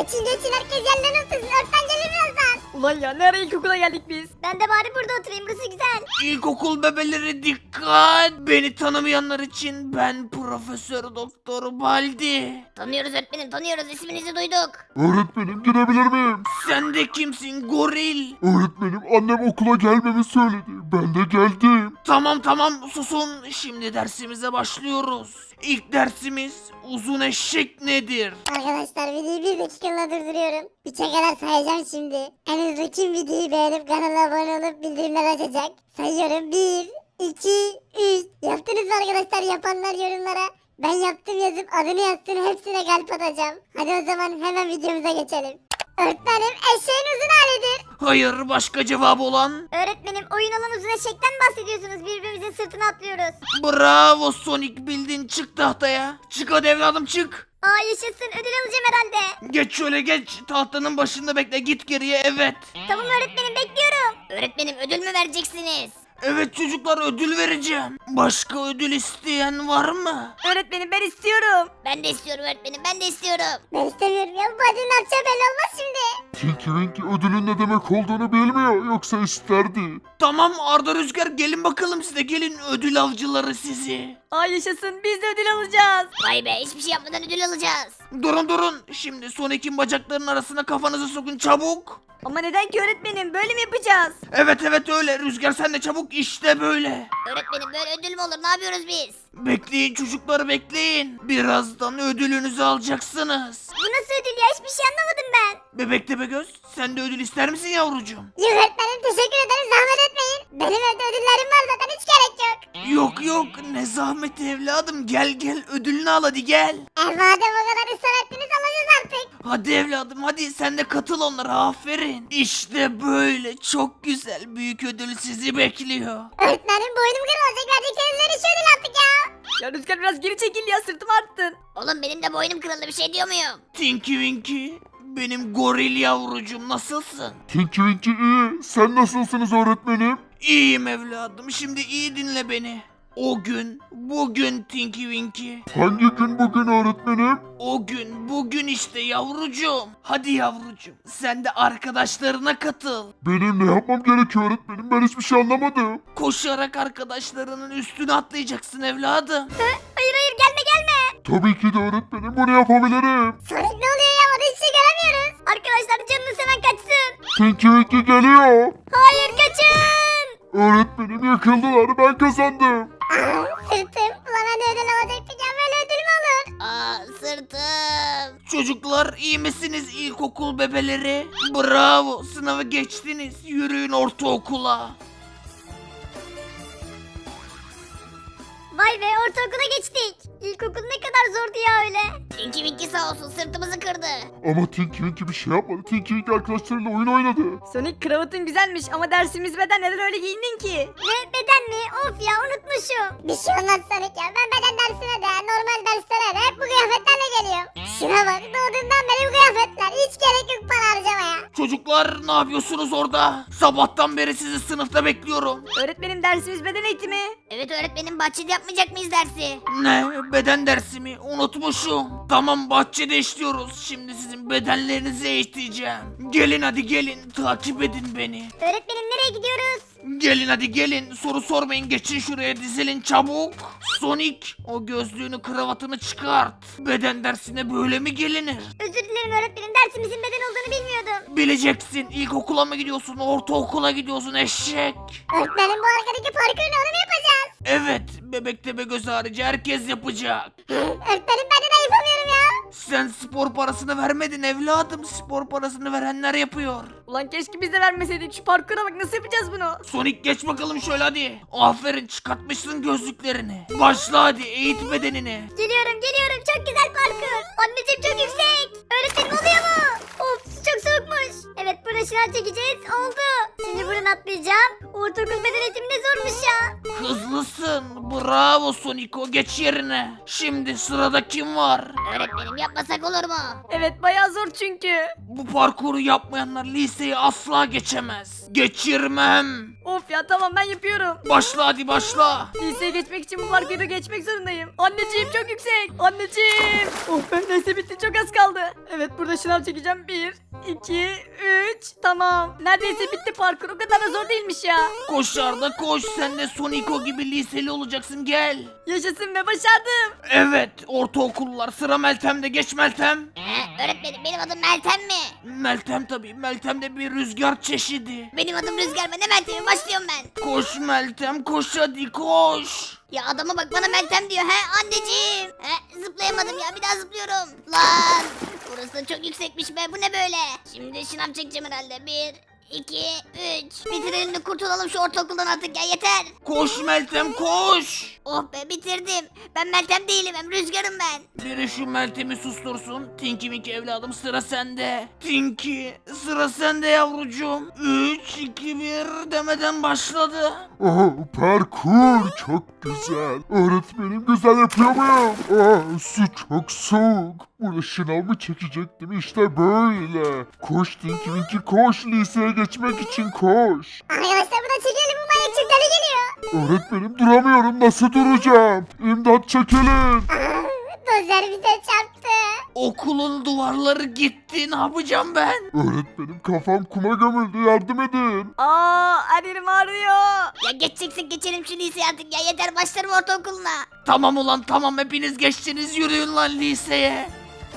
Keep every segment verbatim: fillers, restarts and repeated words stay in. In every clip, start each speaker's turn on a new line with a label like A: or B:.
A: Geçin geçin herkes yerlerine otursun. Öğretmen gelir birazdan.
B: Ulan ya ne ara ilkokula geldik biz?
A: Ben de bari burada oturayım. Burası güzel.
C: İlkokul bebeleri dikkat! Beni tanımayanlar için ben Profesör Doktor Baldi.
A: Tanıyoruz öğretmenim tanıyoruz. İsminizi duyduk.
D: Öğretmenim girebilir miyim?
C: Sen de kimsin goril?
D: Öğretmenim annem okula gelmemi söyledi. Ben de geldim.
C: Tamam tamam susun. Şimdi dersimize başlıyoruz. İlk dersimiz uzun eşek nedir?
A: Arkadaşlar videoyu bir dakikalığına durduruyorum. Üçe kadar sayacağım şimdi. En hızlı kim videoyu beğenip kanala abone olup bildirimler açacak? Sayıyorum. bir, iki, üç. Yaptınız mı arkadaşlar? Yapanlar yorumlara. Ben yaptım yazıp adını yazsın, hepsine kalp atacağım. Hadi o zaman hemen videomuza geçelim. Öğretmenim eşeğin uzun halidir.
C: Hayır başka cevap olan?
A: Öğretmenim oyun olan uzun eşekten bahsediyorsunuz. Birbirimizin sırtına atlıyoruz.
C: Bravo Sonic bildin çık tahtaya. Çık hadi evladım çık.
A: Aa yaşasın, ödül alacağım herhalde.
C: Geç şöyle geç tahtanın başında bekle git geriye evet.
A: Tamam öğretmenim, bekliyorum. Öğretmenim ödül mü vereceksiniz?
C: Evet çocuklar ödül vereceğim. Başka ödül isteyen var mı?
B: Öğretmenim ben istiyorum.
A: Ben de istiyorum öğretmenim, ben de istiyorum. Ben istemiyorum ya, bu badinin ne yapacağı belli olmaz şimdi.
D: Tinky Winky ödülün ne demek olduğunu bilmiyor. Yoksa isterdi.
C: Tamam Arda Rüzgar gelin bakalım size gelin ödül avcıları sizi.
B: Ay yaşasın biz de ödül alacağız.
A: Vay be, hiçbir şey yapmadan ödül alacağız.
C: Durun durun şimdi Sonic'in bacaklarının arasına kafanızı sokun çabuk.
B: Ama neden ki öğretmenim böyle mi yapacağız?
C: Evet evet öyle Rüzgar sen de çabuk işte böyle.
A: Öğretmenim böyle ödül mü olur, ne yapıyoruz biz?
C: Bekleyin çocuklar bekleyin. Birazdan ödülünüzü alacaksınız.
A: Bu nasıl ödül ya, hiçbir şey anlamadım ben.
C: Bebek Tepegöz sen de ödül ister misin yavrucuğum?
A: Yok öğretmenim, teşekkür ederim, zahmet etmeyin. Benim evde ödüllerim var zaten, hiç gerek yok.
C: Yok yok ne zahmet evladım gel gel ödülünü al hadi gel.
A: E madem o kadar ısrar ettiniz, alacağız artık.
C: Hadi evladım hadi sen de katıl onlara aferin. İşte böyle çok güzel büyük ödül sizi bekliyor.
A: Öğretmenim boynum kırılacak, verdikleriniz verin şu ödül artık ya.
B: Ya Rüzgar biraz geri çekil ya sırtımı arttın.
A: Oğlum benim de boynum kırıldı, bir şey diyor muyum?
C: Tinky Winky benim goril yavrucuğum nasılsın?
D: Tinky Winky iyi. Sen nasılsınız öğretmenim?
C: İyiyim evladım şimdi iyi dinle beni. O gün bugün Tinky Winky.
D: Hangi gün bugün öğretmenim?
C: O gün bugün işte yavrucuğum. Hadi yavrucuğum sen de arkadaşlarına katıl.
D: Benim ne yapmam gerekiyor öğretmenim? Ben hiçbir şey anlamadım.
C: Koşarak arkadaşlarının üstüne atlayacaksın evladım.
A: Hayır hayır, gelme gelme.
D: Tabii ki de öğretmenim. Bunu yapabilirim.
A: Sonic ne oluyor ya, orada hiç şey göremiyoruz. Arkadaşlar canını seven kaçsın.
D: Tinky Winky geliyor.
A: Hayır, kaçın.
D: Öğretmenim yakıldılar. Ben kazandım.
A: Aa, sırtım. Ulan hadi ödül alacaktık ya, böyle ödül mü olur? Aa, sırtım.
C: Çocuklar iyi misiniz ilkokul bebeleri? Bravo sınavı geçtiniz. Yürüyün ortaokula.
A: Vay be, ortaokula geçtik. İlkokul ne kadar zordu ya öyle. Tinky Winky sağ olsun sırtımızı kırdı.
D: Ama Tinky Winky bir şey yapmadı. Tinky Winky arkadaşlarıyla oyun oynadı.
B: Sonic kravatın güzelmiş ama dersimiz beden neden öyle giyindin ki?
A: Ne, beden mi? Of ya, unutmuşum. Bir şey olmaz Sonic ya. Ben beden dersine de normal derslere de hep bu kıyafetlerle geliyorum. Şuna bak, doğduğumdan beri bu kıyafetler. Hiç gerek yok para harcamaya.
C: Çocuklar ne yapıyorsunuz orada? Sabahtan beri sizi sınıfta bekliyorum.
B: Öğretmenim dersimiz beden eğitimi.
A: Evet öğretmenim, bahçede yapmayacak mıyız dersi?
C: Ne? Beden dersi mi? Unutmuşum. Tamam bahçede işliyoruz. Şimdi sizin bedenlerinizi eğiteceğim. Gelin hadi gelin. Takip edin beni.
A: Öğretmenim nereye gidiyoruz?
C: Gelin hadi gelin. Soru sormayın. Geçin şuraya dizilin çabuk. Sonic o gözlüğünü kravatını çıkart. Beden dersine böyle mi gelinir?
A: Özür dilerim öğretmenim, dersimizin beden olduğunu bilmiyordum.
C: Bileceksin. İlkokula mı gidiyorsun? Ortaokula gidiyorsun eşek.
A: Öğretmenim bu arkadaki parkur ne, onu mu yapacağız?
C: Evet. Bebek tepe göz harici herkes yapacak.
A: Öğretmenim ben de yapamıyorum ya.
C: Sen spor parasını vermedin evladım. Spor parasını verenler yapıyor.
B: Ulan keşke biz de vermeseydik şu parkura bak nasıl yapacağız bunu?
C: Sonic geç bakalım şöyle hadi. Aferin çıkartmışsın gözlüklerini. Başla hadi eğit bedenini.
A: Geliyorum geliyorum, çok güzel parkur. Anneciğim çok yüksek. Öğretmenim oluyor mu? Of, çok soğukmuş. Evet, buradan şınav çekeceğiz, oldu. Şimdi buradan atlayacağım. Ortaokul beden eğitimi ne zormuş ya.
C: hızlısın. Bravo Soniko, geç yerine. Şimdi sırada kim var?
A: Öğretmenim yapmasak olur mu?
B: Evet bayağı zor çünkü.
C: Bu parkuru yapmayanlar liseyi asla geçemez. Geçirmem.
B: Of ya tamam ben yapıyorum.
C: Başla hadi başla.
B: Liseye geçmek için bu parkuru geçmek zorundayım. Anneciğim çok yüksek. Anneciğim. Oh be neyse bitti çok az kaldı. Evet burada şınav çekeceğim. Bir, iki, üç. Tamam. Neredeyse bitti parkur. O kadar da zor değilmiş ya.
C: Koş Arda koş, sen de Soniko gibi liseli olacaksın, gel.
B: Yaşasın ve başardım.
C: Evet, ortaokullar, sıra Meltem'de, geç Meltem.
A: He, öğretmenim benim adım Meltem mi?
C: Meltem tabii, Meltem de bir rüzgar çeşidi.
A: Benim adım Rüzgar, ben de Meltem'im, başlıyorum ben.
C: Koş Meltem koş, hadi koş.
A: Ya adama bak, bana Meltem diyor. He anneciğim. He, zıplayamadım ya, bir daha zıplıyorum. Lan burası da çok yüksekmiş be, bu ne böyle? Şimdi şınav çekeceğim herhalde. Bir, iki, üç. Bitirelim de kurtulalım şu ortaokuldan artık ya, yeter.
C: Koş Meltem koş.
A: Oh be, bitirdim. Ben Meltem değilim, hem Rüzgar'ım ben.
C: Biri şu Meltem'i sustursun. Tinky Winky evladım, sıra sende. Tinky, sıra sende yavrucuğum. üç, iki, bir demeden başladı.
D: Oh, parkur çok güzel. Öğretmenim güzel yapıyor muyum? Aa, su çok soğuk. Burada şınav mı çekecektim, işte böyle. Koş Tinky Winky koş, liseye geçmek için koş.
A: Arkadaşlar bu da çekelim, bu manyak çok deli geliyor.
D: Öğretmenim duramıyorum, nasıl duracağım? İmdat çekilin.
A: Dozer bize çarptı.
C: Okulun duvarları gitti, ne yapacağım ben?
D: Öğretmenim kafam kuma gömüldü, yardım edin.
B: Aa her yerim ağrıyor.
A: Ya geçeceksek geçelim şu liseye artık ya, yeter, başlarım ortaokuluna.
C: Tamam ulan tamam, hepiniz geçtiniz, yürüyün lan liseye.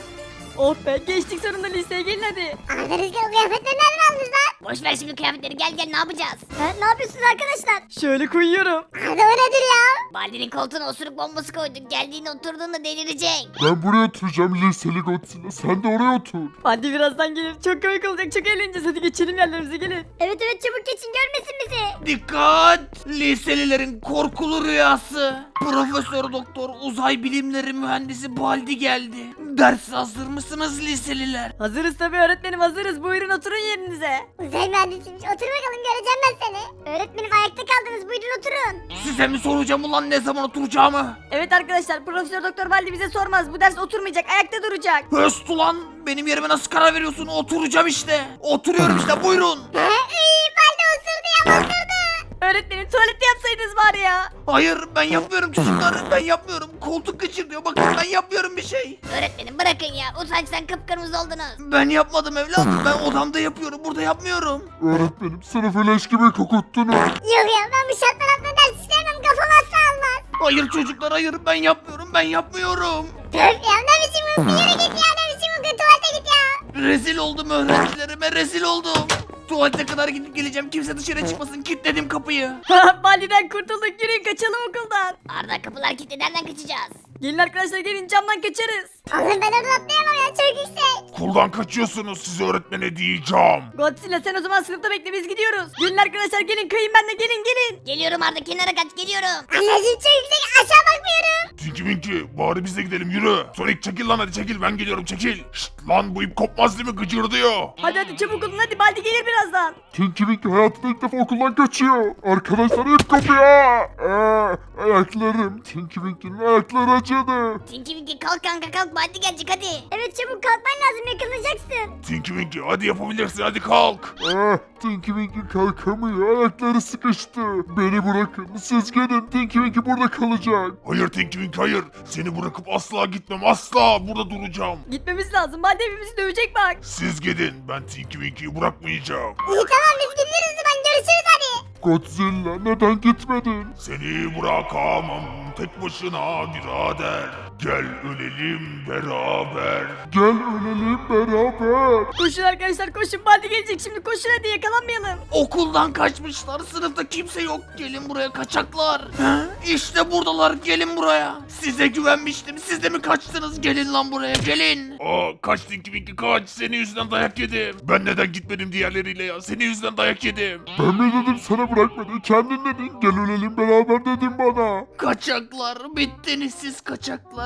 B: Oh be geçtik sonunda liseye gelin hadi.
A: Arda, Rüzgar, o kıyafetleri nereden aldınız lan? Boş ver şimdi kıyafetleri, gel gel, ne yapacağız? He, ne yapıyorsunuz arkadaşlar?
B: Şöyle koyuyorum.
A: Arda, o nedir ya? Baldi'nin koltuğuna osuruk bombası koyduk, geldiğinde oturduğunda delirecek.
D: Ben buraya oturacağım liseli Godzilla, sen de oraya otur.
B: Hadi birazdan gelir. Çok komik olacak. Çok eğleneceğiz. Hadi geçelim yerlerimize gelin.
A: Evet evet, çabuk geçin, görmesin bizi.
C: Dikkat! Liselilerin korkulu rüyası. Profesör Doktor Uzay Bilimleri Mühendisi Baldi geldi. Ders hazır mısınız liseliler?
B: Hazırız tabii öğretmenim hazırız. Buyurun oturun yerinize.
A: Uzay mühendisiymiş, otur bakalım, göreceğim ben seni. Öğretmenim ayakta kaldınız, buyurun oturun.
C: Size mi soracağım ulan ne zaman oturacağımı?
B: Evet arkadaşlar Profesör Doktor Baldi bize sormaz. Bu ders oturmayacak. Ayakta duracak.
C: Höst ulan, benim yerime nasıl karar veriyorsun? Oturacağım işte. Oturuyorum işte, buyurun.
A: He, iyi, Baldi osurdu ya, osurdu.
B: Öğretmenim tuvalette yapsaydınız bari ya.
C: Hayır, ben yapmıyorum çocuklar, ben yapmıyorum. Koltuk kaçırıyor, bakın ben yapmıyorum bir şey.
A: Öğretmenim bırakın ya, utançtan kıpkırmızı oldunuz.
C: Ben yapmadım evladım, ben odamda yapıyorum, burada yapmıyorum.
D: Öğretmenim sınıfı leş gibi kokuttunuz.
A: Yok ya, ben bu şartlar altında ders işlemem, kafam asla almaz.
C: Hayır çocuklar, hayır, ben yapmıyorum, ben yapmıyorum.
A: Dur ya, ne biçim uyku, yürü git ya, ne biçim uyku, tuvalete git ya.
C: Rezil oldum öğrencilerime, rezil oldum. Tuvalete kadar gidip geleceğim, kimse dışarı çıkmasın, kilitledim kapıyı.
B: Baldi'den kurtulduk. Yürüyün kaçalım okuldan.
A: Arda, kapılar kilitli, nereden kaçacağız?
B: Gelin arkadaşlar gelin camdan kaçarız.
A: Oğlum ben oradan atlayamam ya, çok yüksek.
D: Okuldan kaçıyorsunuz, size öğretmene diyeceğim.
B: Godzilla sen o zaman sınıfta bekle biz gidiyoruz. Gelin arkadaşlar gelin kayın benle gelin gelin.
A: Geliyorum Arda, kenara kaç, geliyorum. Anneciğim çok yüksek, aşağı bakmıyorum.
D: Tinky Winky bari biz de gidelim, yürü. Sonic çekil lan, hadi çekil, ben geliyorum, çekil. Şşt lan, bu ip kopmaz değil mi, gıcırdıyor.
B: Hadi hadi çabuk olun hadi Baldi gelir birazdan.
D: Tinky Winky hayatında ilk defa okuldan kaçıyor. Arkadaşlar ip kopuyor. Aa, ayaklarım. Tinky Winky'nin ayakları acıdı.
A: Tinky Winky kalk kanka, kalk, Baldi gelecek hadi. Evet çabuk kalkman lazım, yakalanacaksın.
D: Tinky Winky hadi yapabilirsin, hadi kalk. Ah, Tinky Winky kalkamıyor, ayakları sıkıştı. Beni bırakın, siz gidin, Tinky Winky burada kalacak. Hayır Tinky Winky hayır, seni bırakıp asla gitmem, asla burada duracağım.
B: Gitmemiz lazım Baldi hepimizi dövecek bak.
D: Siz gidin, ben Tinky Winky'yi bırakmayacağım.
A: İyi tamam, biz gidiyoruz o zaman, görüşürüz hadi.
D: Godzilla neden gitmedin? Seni bırakamam tek başına birader. Gel ölelim beraber. Gel ölelim beraber.
B: Koşun arkadaşlar koşun Baldi gelecek şimdi koşun hadi yakalanmayalım.
C: Okuldan kaçmışlar, sınıfta kimse yok. Gelin buraya kaçaklar. He? İşte buradalar, gelin buraya. Size güvenmiştim, siz de mi kaçtınız? Gelin lan buraya, gelin.
D: Aa, kaç Tinky Winky kaç, senin yüzünden dayak yedim. Ben neden gitmedim diğerleriyle ya, senin yüzünden dayak yedim. Ben mi dedim sana bırakmadı, kendin dedin. Gel ölelim beraber dedin bana.
C: Kaçaklar, bittiniz siz kaçaklar.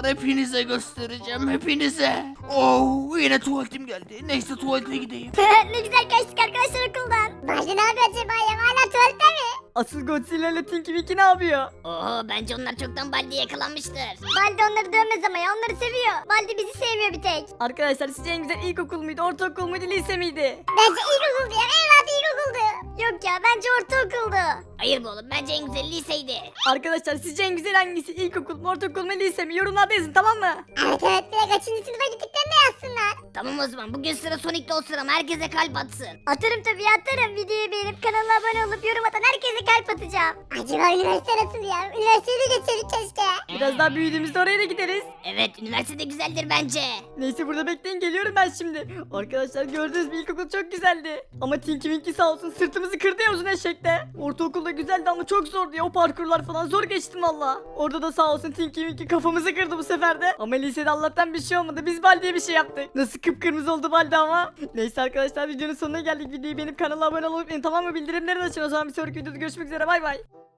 C: arkadaşlar hepinize göstereceğim hepinize. Oh yine tuvaletim geldi. Neyse tuvalete gideyim.
A: Ne güzel kaçtık arkadaşlar okuldan. Baldi ne yapıyor acaba ya? Hala tuvalette mi?
B: Asıl Godzilla ile Tinky Winky ne yapıyor?
E: Oo bence onlar çoktan Baldi'ye yakalanmıştır.
A: Baldi onları dövmez ama ya, onları seviyor. Baldi bizi sevmiyor bir tek.
B: Arkadaşlar sizce en güzel ilkokul muydu, ortaokul muydu, lise miydi?
A: Bence ilkokuldu ya. En rahat ilkokuldu. Yok ya, bence ortaokuldu.
E: Hayır be oğlum bence en güzel liseydi.
B: Arkadaşlar sizce en güzel hangisi? İlkokul mu, ortaokul mu, lise mi? Yorumlarda yazın, tamam mı?
A: Evet evet, bir de kaçıncı sınıfa gittiklerini de yazsınlar.
E: Tamam o zaman bugün sıra Sonic'te olsun ama herkese kalp atsın.
A: Atarım tabii, atarım. Videoyu beğenip kanala abone olup yorum atan herkese kalp atacağım. Acaba üniversite nasıl ya? Üniversiteyi de geçerik keşke.
B: Biraz daha büyüdüğümüzde oraya da gideriz.
E: Evet üniversitede güzeldir bence.
B: Neyse burada bekleyin, geliyorum ben şimdi. Arkadaşlar gördünüz mü, ilkokul çok güzeldi. Ama Tinky Winky sağ olsun sırtımızı kırdı ya uzun eşekte. Ortaokulda güzeldi ama çok zordu ya, o parkurlar falan zor geçtim valla. Orada da sağ olsun Tinky Winky kafamızı kırdı bu sefer de. Ama lisede Allah'tan bir şey olmadı, biz Baldi'ye bir şey yaptık. Nasıl kıpkırmızı oldu Baldi ama. Neyse arkadaşlar videonun sonuna geldik. Videoyu beğenip kanala abone olup tamam mı, bildirimleri de açın. O zaman bir sonraki videoda görüşmek üzere, bay bay.